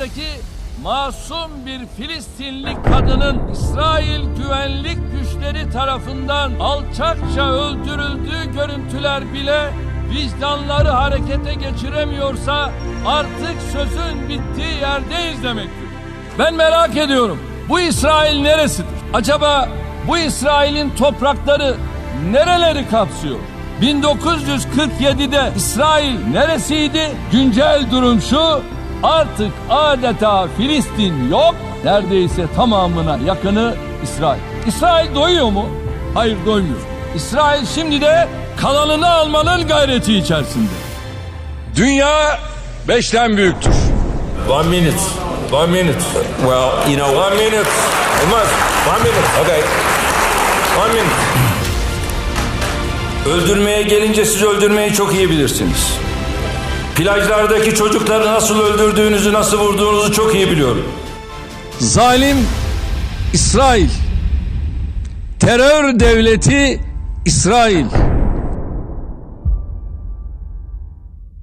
Gazze'deki masum bir Filistinli kadının İsrail güvenlik güçleri tarafından alçakça öldürüldüğü görüntüler bile vicdanları harekete geçiremiyorsa artık sözün bittiği yerdeyiz demektir. Ben merak ediyorum, bu İsrail neresidir? Acaba bu İsrail'in toprakları nereleri kapsıyor? 1947'de İsrail neresiydi? Güncel durum şu: artık adeta Filistin yok, neredeyse tamamına yakını İsrail. İsrail doyuyor mu? Hayır, doymuyor. İsrail şimdi de kalanını almanın gayreti içerisinde. Dünya 5'ten büyüktür. 1 minute. 1 minute. Well, you know, 1 minute. Olmaz. 1 minute. Okay. 1 minute. Öldürmeye gelince siz öldürmeyi çok iyi bilirsiniz. Plajlardaki çocukları nasıl öldürdüğünüzü, nasıl vurduğunuzu çok iyi biliyorum. Zalim İsrail, terör devleti İsrail.